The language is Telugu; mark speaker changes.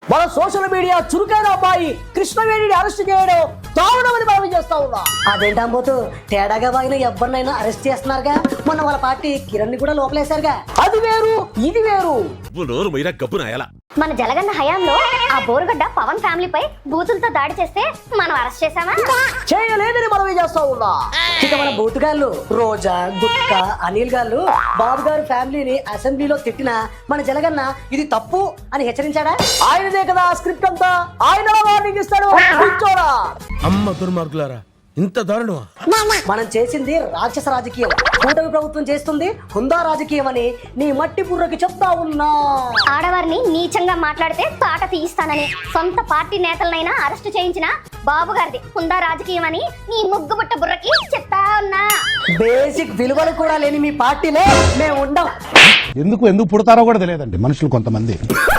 Speaker 1: మన సోషల్ మీడియా చురుకైన అబ్బాయి కృష్ణవేణిని అరెస్ట్ చేయడం దారుణమని మనం చేస్తా ఉన్నా.
Speaker 2: అదేంటంబోతు తేడాగా బాగిన ఎవరినైనా అరెస్ట్ చేస్తున్నారుగా, మొన్న వాళ్ళ పార్టీ కిరణ్ ని కూడా లోపలేశారుగా.
Speaker 1: అది వేరు ఇది వేరు.
Speaker 3: మన జలగన్న హయాంలో ఆ బోరుగడ్డ పవన్ ఫ్యామిలీపై బూతులతో దాడి చేస్తే మనం అరెస్ట్ చేశామా?
Speaker 1: చేయలేదని మనం చేస్తా ఉన్నా.
Speaker 2: ఇక మన బూతుగాళ్ళు రోజా, గుట్కా, అనిల్ గారు బాబు గారు ఫ్యామిలీని అసెంబ్లీలో తిట్టినా మన జలగన్న ఇది తప్పు అని హెచ్చరించాడా?
Speaker 1: ఆయనదే కదా స్క్రిప్ట్ అంతా, ఆయన వార్నింగ్ ఇస్తాడు. కూర్చోరా.
Speaker 4: అమ్మ దుర్మార్గులారా, ఇంత దారుణమా?
Speaker 2: మనం చేసింది రాక్షస రాజకీయం, కూటమి ప్రభుత్వం చేస్తుంది హుందా రాజకీయం అని నీ మట్టి బుర్రకి చెప్తా ఉన్నా.
Speaker 3: ఆడవారిని నీచంగా మాట్లాడితే తాట తీయిస్తానని సొంత పార్టీ నేతలనైనా అరెస్ట్ చేయించిన బాబు గారిది హుందా రాజకీయం అని నీ ముగ్గుబుట్ట బుర్రకి చెప్తా ఉన్నా.
Speaker 2: బేసిక్ విలువలు కూడా లేని మీ పార్టీలో మేము ఉండం.
Speaker 5: ఎందుకు పుడతారో కూడా తెలియదండి మనుషులు కొంతమంది.